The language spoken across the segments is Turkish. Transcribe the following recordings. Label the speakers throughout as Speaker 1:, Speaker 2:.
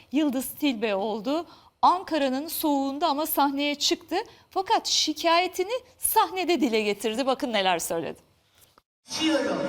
Speaker 1: Yıldız Tilbe oldu. Ankara'nın soğuğunda ama sahneye çıktı. Fakat şikayetini sahnede dile getirdi. Bakın neler söyledi.
Speaker 2: Üşüyorum.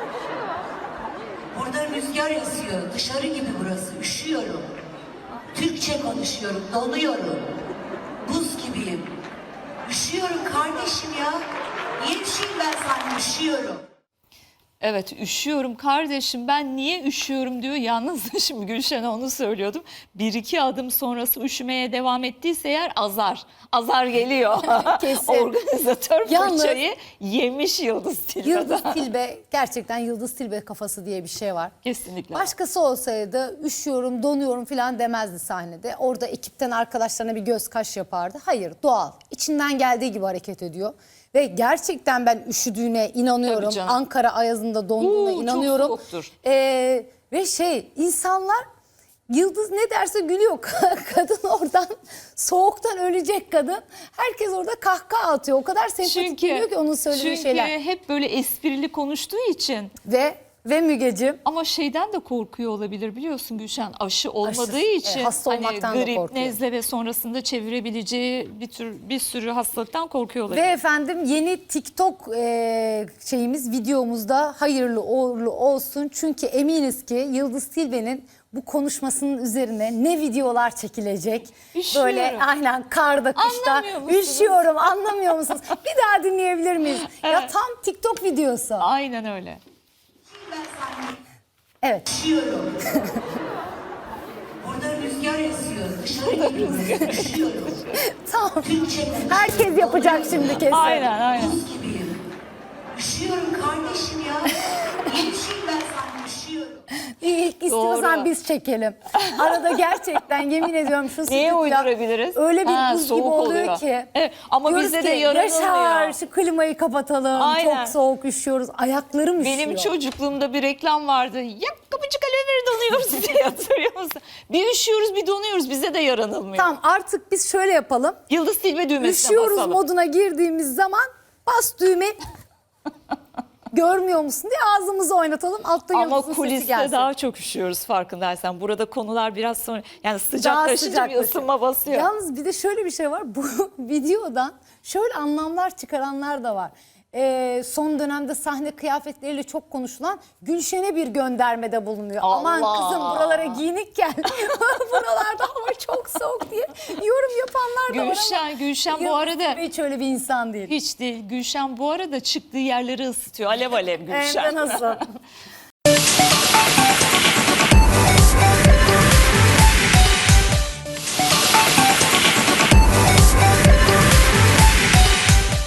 Speaker 2: Burada rüzgar esiyor. Dışarı gibi burası. Üşüyorum. Türkçe konuşuyorum. Donuyorum. Buz gibiyim. Üşüyorum kardeşim ya. Niye üşüyeyim ben sana? Üşüyorum.
Speaker 1: Evet, üşüyorum kardeşim, ben niye üşüyorum diyor. Yalnız şimdi Gülşen'e onu söylüyordum. Bir iki adım sonrası üşümeye devam ettiyse eğer azar geliyor.
Speaker 3: Kesin.
Speaker 1: Organizatör
Speaker 3: Yalnız-
Speaker 1: fırçayı yemiş Yıldız Tilbe'den.
Speaker 3: Yıldız Tilbe, gerçekten Yıldız Tilbe kafası diye bir şey var.
Speaker 1: Kesinlikle.
Speaker 3: Başkası olsaydı üşüyorum, donuyorum falan demezdi sahnede. Orada ekipten arkadaşlarına bir göz kaş yapardı. Hayır, doğal. İçinden geldiği gibi hareket ediyor. Ve gerçekten ben üşüdüğüne inanıyorum.
Speaker 1: Tabii canım.
Speaker 3: Ankara ayazında donduğuna
Speaker 1: Çok
Speaker 3: inanıyorum.
Speaker 1: soğuktur.
Speaker 3: Ve insanlar Yıldız ne derse gülüyor. Kadın oradan soğuktan ölecek kadın. Herkes orada kahkaha atıyor. O kadar sempatik geliyor ki onun söylediği şeyler.
Speaker 1: Çünkü hep böyle esprili konuştuğu için.
Speaker 3: Ve Mügeciğim,
Speaker 1: Ama şeyden de korkuyor olabilir biliyorsun Gülşen, aşı olmadığı
Speaker 3: Aşı,
Speaker 1: için
Speaker 3: hasta
Speaker 1: hani
Speaker 3: olmaktan da
Speaker 1: grip,
Speaker 3: korkuyor.
Speaker 1: nezle ve sonrasında çevirebileceği bir sürü hastalıktan korkuyor olabilir.
Speaker 3: ve efendim yeni TikTok videomuzda hayırlı uğurlu olsun. Çünkü eminiz ki Yıldız Tilbe'nin bu konuşmasının üzerine ne videolar çekilecek.
Speaker 1: Üşüyorum.
Speaker 3: Böyle aynen karda kışta
Speaker 1: Anlamıyor musunuz?
Speaker 3: üşüyorum, anlamıyor musunuz? Bir daha dinleyebilir miyiz? Ya
Speaker 1: Evet.
Speaker 3: tam TikTok videosu.
Speaker 1: Aynen öyle.
Speaker 2: Ben sana
Speaker 3: Evet.
Speaker 2: üşüyorum. Burada rüzgar esiyor. Dışarı gibi burası. Üşüyorum.
Speaker 3: Tamam.
Speaker 2: Türkçe konuşuyorum.
Speaker 3: Herkes yapacak şimdi kesin.
Speaker 1: Aynen.
Speaker 2: Buz gibiyim. Üşüyorum kardeşim ya. Niye üşüyeyim ben sana? Üşüyorum.
Speaker 3: İlk istiyorsan
Speaker 1: Doğru.
Speaker 3: biz çekelim. Arada gerçekten yemin ediyorum şu
Speaker 1: Neye
Speaker 3: stüdyo
Speaker 1: uydurabiliriz?
Speaker 3: öyle bir
Speaker 1: Ha,
Speaker 3: buz gibi
Speaker 1: soğuk
Speaker 3: oluyor
Speaker 1: oluyor.
Speaker 3: ki.
Speaker 1: Evet, ama
Speaker 3: diyoruz
Speaker 1: bizde
Speaker 3: ki,
Speaker 1: de yaranılmıyor.
Speaker 3: Yaşar şu klimayı kapatalım.
Speaker 1: Aynen.
Speaker 3: Çok soğuk üşüyoruz. Ayaklarım üşüyor.
Speaker 1: Benim çocukluğumda bir reklam vardı. Ya kapıcık alever donuyoruz diye, hatırlıyor musun? Bir üşüyoruz bir donuyoruz, bize de yaranılmıyor.
Speaker 3: Tamam, artık biz şöyle yapalım.
Speaker 1: Yıldız Tilbe düğmesine
Speaker 3: Üşüyoruz
Speaker 1: basalım.
Speaker 3: moduna girdiğimiz zaman bas düğme. Görmüyor musun diye ağzımızı oynatalım. Altta
Speaker 1: Ama
Speaker 3: Yıldız'ın sesi
Speaker 1: kuliste
Speaker 3: gelsin.
Speaker 1: daha çok üşüyoruz farkındaysan. Burada konular biraz sonra yani
Speaker 3: Daha
Speaker 1: sıcaklaşınca bir
Speaker 3: sıcaklaşıyor.
Speaker 1: ısınma basıyor.
Speaker 3: Yalnız bir de şöyle bir şey var. Bu videodan şöyle anlamlar çıkaranlar da var. Son dönemde sahne kıyafetleriyle çok konuşulan Gülşen'e bir göndermede bulunuyor. Aman
Speaker 1: Allah!
Speaker 3: kızım buralara giyinik gel. Buralarda hava çok soğuk diye yorum yapanlar da var ama
Speaker 1: Gülşen bu
Speaker 3: Yıldız
Speaker 1: arada
Speaker 3: Tilbe hiç öyle bir insan değil.
Speaker 1: hiç değil. Gülşen bu arada çıktığı yerleri ısıtıyor. Alev alev Gülşen.
Speaker 3: Hem de nasıl?